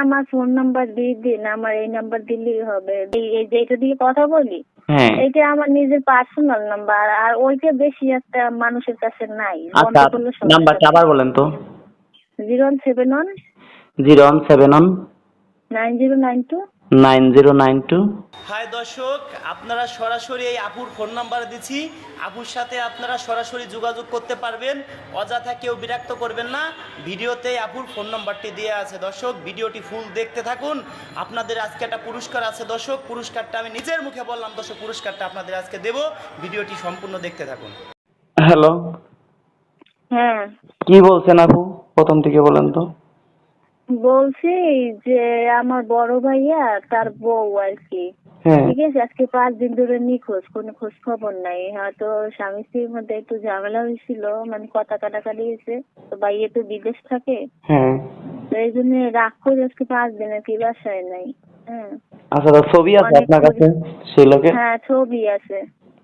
আমার phone number দিয়ে দিন, আমার এই নাম্বার দিলেই হবে। এই যেটা দিয়ে কথা বলি এইটা আমার নিজের পার্সোনাল নাম্বার, আর ওইটা বেশি একটা মানুষের কাছে নাই। বন্ধ আচ্ছা, করলে নাম্বারটা আবার বলেন তো। 0171 0171 9092 9092। হাই দর্শক, আপনারা সরাসরি এই আপুর ফোন নাম্বার দিচ্ছি। আপুর সাথে আপনারা সরাসরি যোগাযোগ করতে পারবেন, অযথা কেউ বিরক্ত করবেন না। ভিডিওতে আপুর ফোন নাম্বারটি দেওয়া আছে। দর্শক, ভিডিওটি ফুল দেখতে থাকুন। আপনাদের আজকে একটা পুরস্কার আছে দর্শক, পুরস্কারটা আমি নিজের মুখে বললাম দর্শক, পুরস্কারটা আপনাদের আজকে দেব। ভিডিওটি সম্পূর্ণ দেখতে থাকুন। হ্যালো, হ্যাঁ কি বলছেন আপু? প্রথম থেকে বলেন তো। বলছি যে আমার বড় ভাইয়া তার বউ আর কি, হ্যাঁ ঠিক আছে, আজকে 5 দিন ধরে নিখোঁজ, কোনো খোঁজ খবর নাই। হয়তো স্বামী স্ত্রীর মধ্যে একটু ঝামেলা হয়েছিল, মানে কথা কাটাকাটি হয়েছে। তো ভাইয়া তো বিদেশ থাকে, হ্যাঁ। তো এই জন্য রাগ করে আজকে 5 দিন আর কি বাসায় নাই। হ্যাঁ আচ্ছা, তো ছবি আছে অনেক আপনার কাছে সেই লোকের? হ্যাঁ ছবি আছে।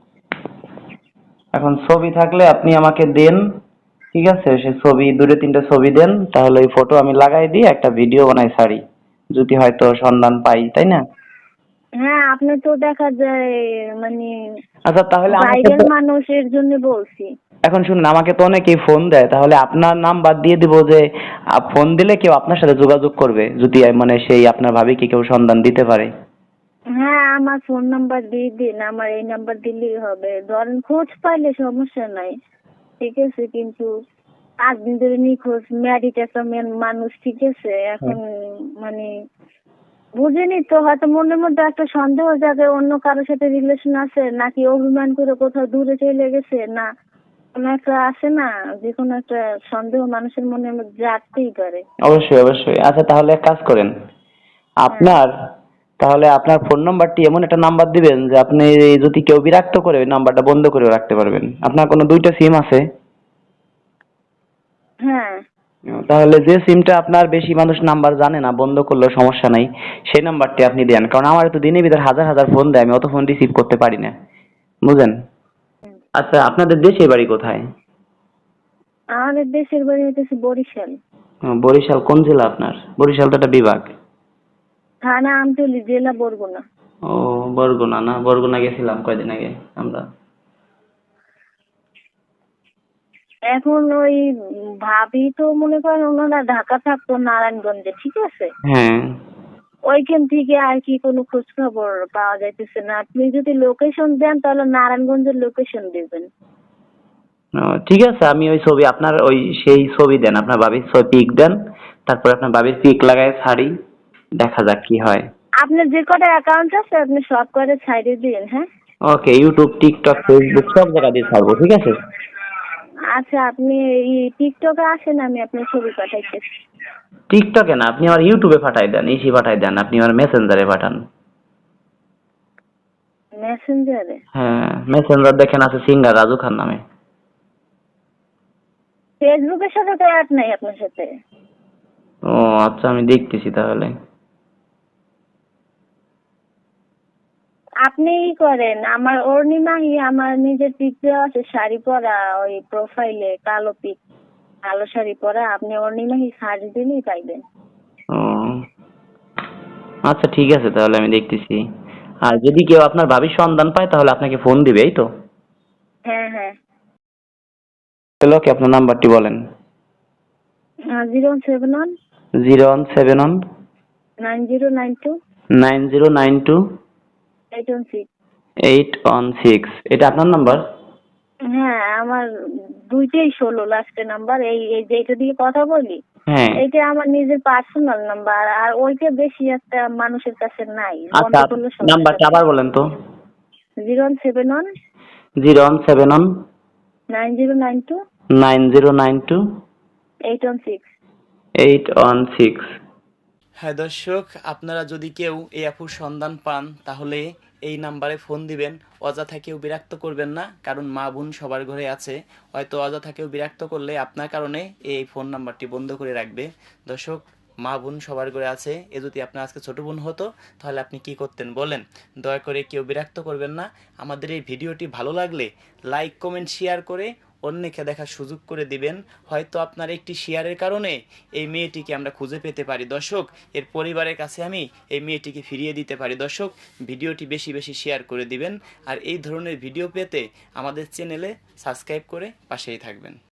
এখন ছবি থাকলে আপনি আমাকে দেন, ঠিক আছে? সে ছবি 2-3টা ছবি দেন, তাহলে ওই ফটো আমি লাগাই দিয়ে একটা ভিডিও বানাই ছাড়ি, যদি হয়তো সন্ধান পাই, তাই না? হ্যাঁ আপনি তো দেখা যায় মানে আচ্ছা, তাহলে আমাকে বাইরের তো মানুষের জন্য বলছি। এখন শুনুন, আমাকে তো অনেকেই ফোন দেয়, তাহলে আপনার নাম্বার দিয়ে দিব যে ফোন দিলে কেউ আপনার সাথে যোগাযোগ করবে, যদি মানে সেই আপনার ভাবিকে কেউ সন্ধান দিতে পারে। হ্যাঁ আমার ফোন নাম্বার দিয়ে দিন, আমার এই নাম্বার দিলেই হবে। ধরেন খোঁজ পাইলে সমস্যা নাই, ঠিক আছে, কিন্তু 5 দিন ধরে নিখোঁজ, ম্যারিড একটা মানুষ, ঠিক আছে। এখন মানে বুঝিনি তো, হয়তো মনের মধ্যে একটা সন্দেহ জাগে অন্য কারোর সাথে রিলেশন আছে, নাকি অভিমান করে কোথাও দূরে চলে গেছে, না কোনো একটা আছে না, যে কোনো একটা সন্দেহ মানুষের মনের মধ্যে জাগতেই পারে। অবশ্যই অবশ্যই। আচ্ছা, তাহলে এক কাজ করেন, হ্যাঁ আপনার তাহলে আপনার ফোন নাম্বারটি এমন একটা নাম্বার দিবেন যে আপনি যদি কেউ বিরক্ত করে ওই নাম্বারটা বন্ধ করে রাখতে পারবেন। আপনার কোনো 2টা সিম আছে? হ্যাঁ তাহলে যে সিমটা আপনার বেশি মানুষ নাম্বার জানে না, বন্ধ করলেও সমস্যা নাই, সেই নাম্বারটি আপনি দেন। কারণ আমার তো দিনের ভিতর হাজার হাজার ফোন দেয়, আমি অত ফোন রিসিভ করতে পারি না, বুঝেন? আচ্ছা, আপনাদের দেশে বাড়ি কোথায়? আমাদের দেশের বাড়ি হচ্ছে বরিশাল, বরিশাল কোন জেলা আপনার? বরিশাল তো একটা বিভাগ। থানা আমতলী, জেলা বরগুনা। ও, বরগুনা না? বরগুনা গেছিলাম কয়দিন আগে আমরা। এখন ওই ভাবি তো মনে করেন ওনারা ঢাকা থাকতো নারায়ণগঞ্জে, ঠিক আছে। হ্যাঁ। ওইখান থেকে আর কি কোনো খোঁজ খবর পাওয়া যাইতেছে না। আপনি যদি লোকেশন দেন তাহলে নারায়ণগঞ্জের লোকেশন দিবেন। ও, ঠিক আছে, আমি ওই ছবি আপনার ওই সেই ছবি দেন, আপনার বাবির ছবি পিক দেন, তারপর আপনার বাবির পিক লাগায় ছাড়ি, দেখা যাক কি হয়। আপনার যে কটা অ্যাকাউন্ট আছে আপনি সব কটা ছাইড়ে দিন। হ্যাঁ ওকে, ইউটিউব, টিকটক, ফেসবুক সব জায়গা দিয়ে ছাড়বো, ঠিক আছে? আচ্ছা, আপনি এই টিকটকে আসেন, আমি আপনার ছবি পাঠাইতেছি। টিকটকে না, আপনি আমার ইউটিউবে পাঠাই দেন, ইসি পাঠাই দেন, আপনি আমার মেসেঞ্জারে পাঠান। মেসেঞ্জারে? হ্যাঁ, মেসেঞ্জার দেখেন আছে সিঙ্গার রাজু খান নামে। ফেসবুকের সাথে তো অ্যাড নাই আপনার সাথে। ও আচ্ছা, আমি দেখতেছি তাহলে। আপনি ই করেন, আমার অর্ণিমাহি আমার নিজের পিকচার আছে, শাড়ি পরা, ওই প্রোফাইলে কালো পিক, কালো শাড়ি পরা। আপনি অর্ণিমাহি সার্চ দিলেই পাইবেন। ও আচ্ছা, ঠিক আছে, তাহলে আমি দেখতেছি। আর যদি কেউ আপনার ভাবির সন্ধান পায় তাহলে আপনাকে ফোন দিবে, এই তো? হ্যাঁ হ্যাঁ। তাহলে ওকে, আপনার নাম্বারটি বলেন। 071 0171 9092 9092 816। 816। এটা আপনার নাম্বার? হ্যাঁ আমার দুইটাই 16 লাস্টের নাম্বার। এই এই যেটা দিয়ে কথা বলি হ্যাঁ। এইটা আমার নিজের পার্সোনাল নাম্বার, আর ওইটা বেশি একটা মানুষের কাছে নাই। বন্ধ আচ্ছা, করলে সমস্যা নাম্বারটা নেই। আবার বলেন তো। 071 0171 9092 9092 816। 816। হ্যাঁ দর্শক, আপনারা যদি কেউ এই আপুর সন্ধান পান তাহলে এই নাম্বারে ফোন দিবেন। অযথা কেউ বিরক্ত করবেন না, কারণ মা বোন সবার ঘরে আছে। হয়তো অযথা কেউ বিরক্ত করলে আপনার কারণে এই ফোন নাম্বারটি বন্ধ করে রাখবে। দর্শক, মা বোন সবার ঘরে আছে। এ যদি আপনার আজকে ছোট বোন হতো তাহলে আপনি কি করতেন বলেন? দয়া করে কেউ বিরক্ত করবেন না। আমাদের এই ভিডিওটি ভালো লাগলে লাইক, কমেন্ট, শেয়ার করে অন্যকে দেখার সুযোগ করে দিবেন। হয়তো আপনার একটি শেয়ারের কারণে এই মেয়েটিকে আমরা খুঁজে পেতে পারি দর্শক, এর পরিবারের কাছে আমি এই মেয়েটিকে ফিরিয়ে দিতে পারি। দর্শক, ভিডিওটি বেশি বেশি শেয়ার করে দিবেন আর এই ধরনের ভিডিও পেতে আমাদের চ্যানেলে সাবস্ক্রাইব করে পাশেই থাকবেন।